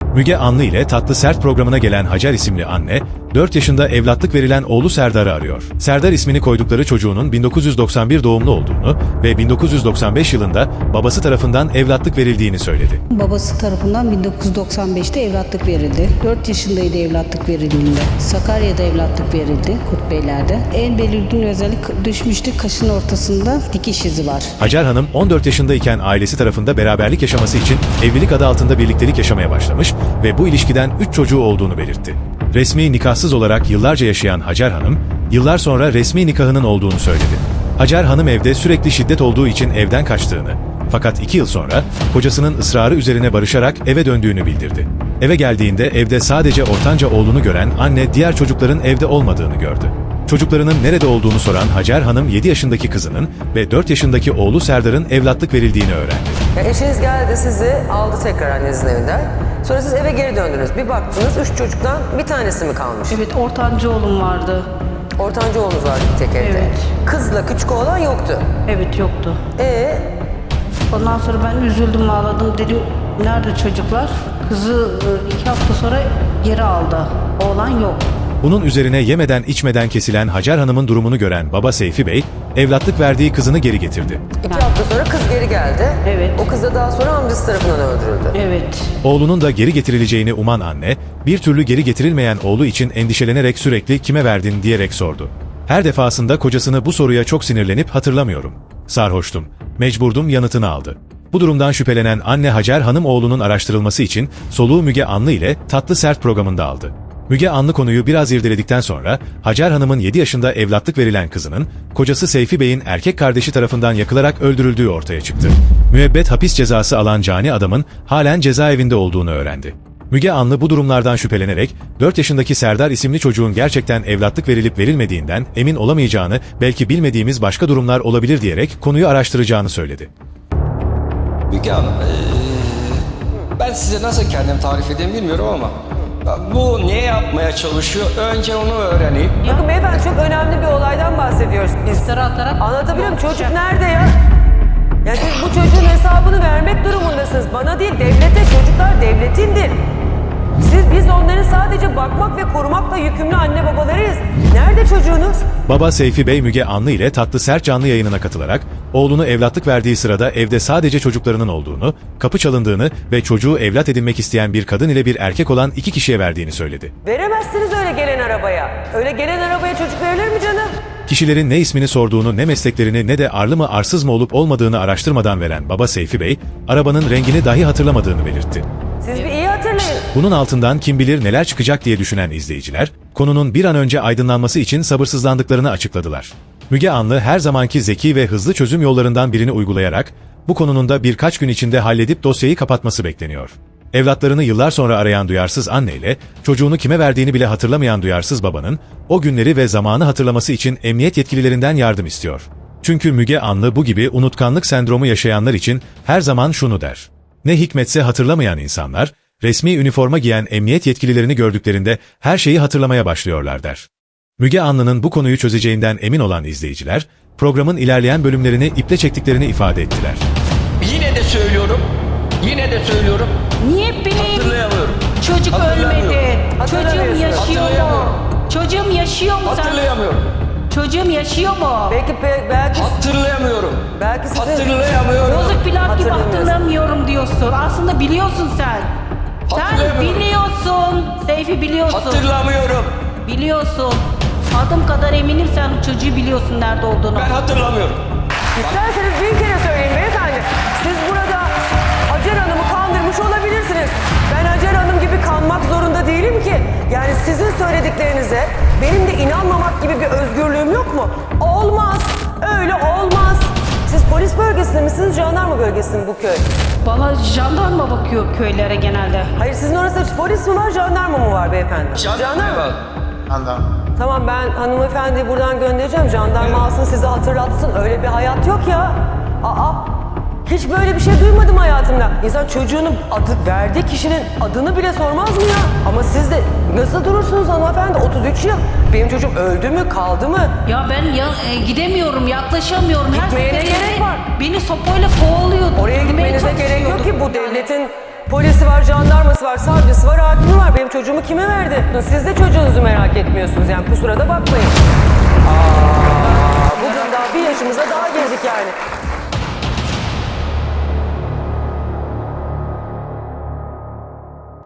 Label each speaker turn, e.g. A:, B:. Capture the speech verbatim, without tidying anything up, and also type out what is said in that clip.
A: Müge Anlı ile Tatlı Sert programına gelen Hacer isimli anne, dört yaşında evlatlık verilen oğlu Serdar'ı arıyor. Serdar ismini koydukları çocuğunun bin dokuz yüz doksan bir doğumlu olduğunu ve bin dokuz yüz doksan beş yılında babası tarafından evlatlık verildiğini söyledi.
B: Babası tarafından bin dokuz yüz doksan beşte evlatlık verildi. dört yaşındaydı evlatlık verildiğinde. Sakarya'da evlatlık verildi, Kurtbeyler'de. En belirgin özellik düşmüştü, kaşın ortasında dikiş izi var.
A: Hacer Hanım on dört yaşındayken ailesi tarafında beraberlik yaşaması için evlilik adı altında birliktelik yaşamaya başlamış ve bu ilişkiden üç çocuğu olduğunu belirtti. Resmi nikahsız olarak yıllarca yaşayan Hacer Hanım, yıllar sonra resmi nikahının olduğunu söyledi. Hacer Hanım evde sürekli şiddet olduğu için evden kaçtığını, fakat iki yıl sonra kocasının ısrarı üzerine barışarak eve döndüğünü bildirdi. Eve geldiğinde evde sadece ortanca oğlunu gören anne diğer çocukların evde olmadığını gördü. Çocuklarının nerede olduğunu soran Hacer Hanım yedi yaşındaki kızının ve dört yaşındaki oğlu Serdar'ın evlatlık verildiğini öğrendi.
C: Ya eşiniz geldi, sizi aldı tekrar annenizin evinden. Sonra siz eve geri döndünüz. Bir baktınız üç çocuktan bir tanesi mi kalmış?
B: Evet, ortanca oğlum vardı.
C: Ortanca oğlunuz vardı bir tek evde.
B: Evet.
C: Kızla küçük oğlan yoktu.
B: Evet, yoktu.
C: Ee,
B: Ondan sonra ben üzüldüm, ağladım. Dedim, nerede çocuklar? Kızı iki hafta sonra geri aldı. Oğlan yok.
A: Bunun üzerine yemeden içmeden kesilen Hacer Hanım'ın durumunu gören baba Seyfi Bey, evlatlık verdiği kızını geri getirdi.
C: iki hafta sonra kız geri geldi.
B: Evet.
C: O kız da daha sonra amcası tarafından öldürüldü.
B: Evet.
A: Oğlunun da geri getirileceğini uman anne, bir türlü geri getirilmeyen oğlu için endişelenerek sürekli kime verdin diyerek sordu. Her defasında kocasını bu soruya çok sinirlenip hatırlamıyorum, sarhoştum, mecburdum yanıtını aldı. Bu durumdan şüphelenen anne Hacer Hanım oğlunun araştırılması için soluğu Müge Anlı ile Tatlı Sert programında aldı. Müge Anlı konuyu biraz irdeledikten sonra Hacer Hanım'ın yedi yaşında evlatlık verilen kızının kocası Seyfi Bey'in erkek kardeşi tarafından yakılarak öldürüldüğü ortaya çıktı. Müebbet hapis cezası alan cani adamın halen cezaevinde olduğunu öğrendi. Müge Anlı bu durumlardan şüphelenerek dört yaşındaki Serdar isimli çocuğun gerçekten evlatlık verilip verilmediğinden emin olamayacağını, belki bilmediğimiz başka durumlar olabilir diyerek konuyu araştıracağını söyledi.
D: Müge Hanım, ee, ben size nasıl kendimi tarif edeyim bilmiyorum ama bu ne yapmaya çalışıyor? Önce onu öğreneyim.
C: Bakın beyefendi, çok önemli bir olaydan bahsediyoruz biz.
B: İftira atarak...
C: Anlatabiliyor muyum? Çocuk nerede ya? Yani siz bu çocuğun hesabını vermek durumundasınız. Bana değil, devlete. Çocuklar devletindir. Siz, biz onların sadece bakmak ve korumakla yükümlü anne babalarıyız. Nerede çocuğunuz?
A: Baba Seyfi Bey Müge Anlı ile Tatlı Sert canlı yayınına katılarak oğlunu evlatlık verdiği sırada evde sadece çocuklarının olduğunu, kapı çalındığını ve çocuğu evlat edinmek isteyen bir kadın ile bir erkek olan iki kişiye verdiğini söyledi.
C: Veremezsiniz öyle gelen arabaya. Öyle gelen arabaya çocuk verilir mi canım?
A: Kişilerin ne ismini sorduğunu, ne mesleklerini ne de arlı mı arsız mı olup olmadığını araştırmadan veren baba Seyfi Bey, arabanın rengini dahi hatırlamadığını belirtti.
C: Siz bir iyi hatırlayın.
A: Bunun altından kim bilir neler çıkacak diye düşünen izleyiciler, konunun bir an önce aydınlanması için sabırsızlandıklarını açıkladılar. Müge Anlı her zamanki zeki ve hızlı çözüm yollarından birini uygulayarak, bu konunun da birkaç gün içinde halledip dosyayı kapatması bekleniyor. Evlatlarını yıllar sonra arayan duyarsız anneyle, çocuğunu kime verdiğini bile hatırlamayan duyarsız babanın, o günleri ve zamanı hatırlaması için emniyet yetkililerinden yardım istiyor. Çünkü Müge Anlı bu gibi unutkanlık sendromu yaşayanlar için her zaman şunu der: ne hikmetse hatırlamayan insanlar, resmi üniforma giyen emniyet yetkililerini gördüklerinde her şeyi hatırlamaya başlıyorlar der. Müge Anlı'nın bu konuyu çözeceğinden emin olan izleyiciler, programın ilerleyen bölümlerini iple çektiklerini ifade ettiler.
D: Yine de söylüyorum, yine de söylüyorum.
B: Niye benim
D: Hatırlayamıyorum.
B: çocuk
D: Hatırlamıyorum.
B: ölmedi? Çocuğum
C: Hatırlamıyorsun.
B: yaşıyor mu?
D: Hatırlayamıyorum.
B: Çocuğum yaşıyor mu sen?
D: Hatırlayamıyorum.
B: Çocuğum yaşıyor mu?
C: Belki pe- belki
D: Hatırlayamıyorum.
C: belki sizin
D: Hatırlayamıyorum.
B: Bozuk pilav gibi
C: Hatırlamıyorsun.
B: hatırlamıyorum diyorsun. Aslında biliyorsun sen. Sen
D: Hatırlayamıyorum.
B: biliyorsun. Seyfi biliyorsun.
D: Hatırlamıyorum.
B: Biliyorsun. Adım kadar eminim sen çocuğu biliyorsun nerede olduğunu.
D: Ben hatırlamıyorum.
C: İsterseniz bin kere söyleyin beyefendi. Siz burada Hacer Hanım'ı kandırmış olabilirsiniz. Ben Hacer Hanım gibi kanmak zorunda değilim ki. Yani sizin söylediklerinize benim de inanmamak gibi bir özgürlüğüm yok mu? Olmaz. Öyle olmaz. Siz polis bölgesinde misiniz, jandarma bölgesinde mi bu köy?
B: Bana jandarma bakıyor köylere genelde.
C: Hayır, sizin orası polis mi var, jandarma mı var beyefendi?
D: Jandarma var.
C: Tamam, ben hanımefendiyi buradan göndereceğim. Jandarma alsın, sizi hatırlatsın. Öyle bir hayat yok ya. Aa, hiç böyle bir şey duymadım hayatımda. İnsan çocuğunun adı, verdiği kişinin adını bile sormaz mı ya? Ama siz de nasıl durursunuz hanımefendi? otuz üç yıl. Benim çocuğum öldü mü, kaldı mı?
B: Ya ben ya, e, gidemiyorum, yaklaşamıyorum. Her
C: Gitmeye ne
B: seferinde
C: gerek var?
B: beni sopayla kovalıyor.
C: Oraya
B: Gitmeye
C: gitmenize gerek yok
B: çalışıyordu.
C: ki, bu devletin Polisi var, jandarması var, savcısı var, hakimi var. Benim çocuğumu kime verdi? Siz de çocuğunuzu merak etmiyorsunuz yani, kusura da bakmayın.